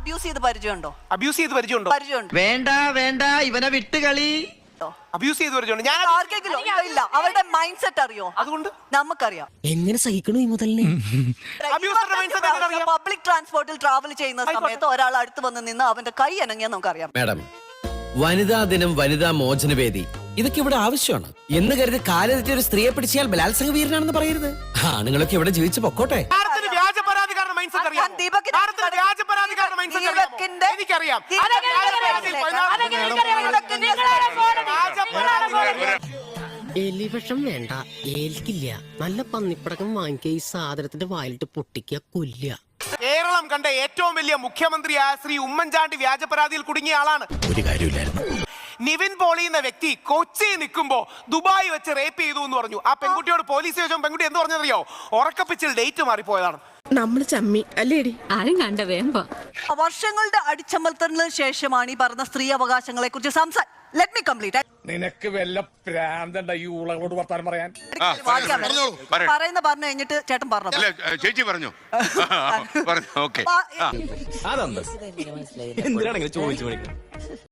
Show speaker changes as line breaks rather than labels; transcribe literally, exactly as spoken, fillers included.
Abuse ചെയ്ത് പരിചയമുണ്ടോ?
Abuse ചെയ്ത് പരിചയമുണ്ടോ?
പരിചയമുണ്ട്.
വേണ്ട വേണ്ട ഇവനെ വിട്ടുകളി.
അബ്യൂസ് ചെയ്ത് പരിചയമുണ്ട്. ഞാൻ
ആർക്കെങ്കിലും ഇല്ല. അവരുടെ മൈൻഡ് സെറ്റ് അറിയോ?
അതുകൊണ്ട്
നമുക്കറിയാം.
എങ്ങനെ സഹിക്കണു ഈ മുതലിനെ?
പബ്ലിക് ട്രാൻസ്പോർട്ടിൽ ട്രാവൽ ചെയ്യുന്ന സമയത്ത് ഒരാൾ അടുത്ത് വന്ന് നിന്ന് അവന്റെ കൈ അനങ്ങിയാൽ നമുക്കറിയാം.
മാഡം, വനിതാ ദിനം, വനിതാ മോചനവേദി, ഇതൊക്കെ ഇവിടെ ആവശ്യമാണ് എന്ന് കരുതി കാലെത്തി ഒരു സ്ത്രീയെ പിടിച്ചാൽ ബലാത്സംഗ വീരനാണെന്ന് പറയരുത്. ആണുങ്ങളൊക്കെ ഇവിടെ ജീവിച്ചു പൊക്കോട്ടെ.
വ്യാജ പരാതിക്കാരുടെ മൈൻഡ് സെറ്റ് അറിയാം. വ്യാജ പരാതിക്കാരുടെ മൈൻഡ് സെറ്റ് അറിയാം. എനിക്കറിയാം.
എലിവിഷം വേണ്ട, ഏൽക്കില്ല. നല്ല പന്നിപ്പടക്കം വാങ്ങിക്കുക, ഈ സാധനത്തിന്റെ വായിലിട്ട് പൊട്ടിക്കുക, കൊല്ലുക.
കേരളം കണ്ട ഏറ്റവും വലിയ മുഖ്യമന്ത്രിയായ ശ്രീ ഉമ്മൻചാണ്ടി വ്യാജ പരാതിയിൽ കുടുങ്ങിയ ആളാണ്.
ഒരു കാര്യമില്ലായിരുന്നു.
നിവിൻ പോളി എന്ന വ്യക്തി കൊച്ചി നിൽക്കുമ്പോ ദുബായ് വെച്ച് റേപ്പ് ചെയ്തു എന്ന് പറഞ്ഞു. ആ പെൺകുട്ടിയോട് പോലീസ് ചോദിച്ചോ പെൺകുട്ടി എന്ത് പറഞ്ഞറിയോ? ഉറക്കപ്പിച്ചിൽ ഡേറ്റ് മാറിപ്പോയതാണ്.
നമ്മള് ചമ്മി അല്ലേടി?
ആരും കണ്ട വേമ്പ
വർഷങ്ങളുടെ അടിച്ചമർത്തലിന് ശേഷമാണ് ഈ പറഞ്ഞ സ്ത്രീ അവകാശങ്ങളെ കുറിച്ച് സംസാരം. Let me complete.
നിനക്ക് വല്ല പ്രാന്തണ്ട ഈ ഊളകളോട് വർത്താനം പറയാൻ?
പറയുന്ന പറഞ്ഞു കഴിഞ്ഞിട്ട് ചേട്ടൻ പറഞ്ഞു.
ചേച്ചി പറഞ്ഞു.
അതൊന്നും എന്തിനാണെങ്കിലും ചോദിച്ചു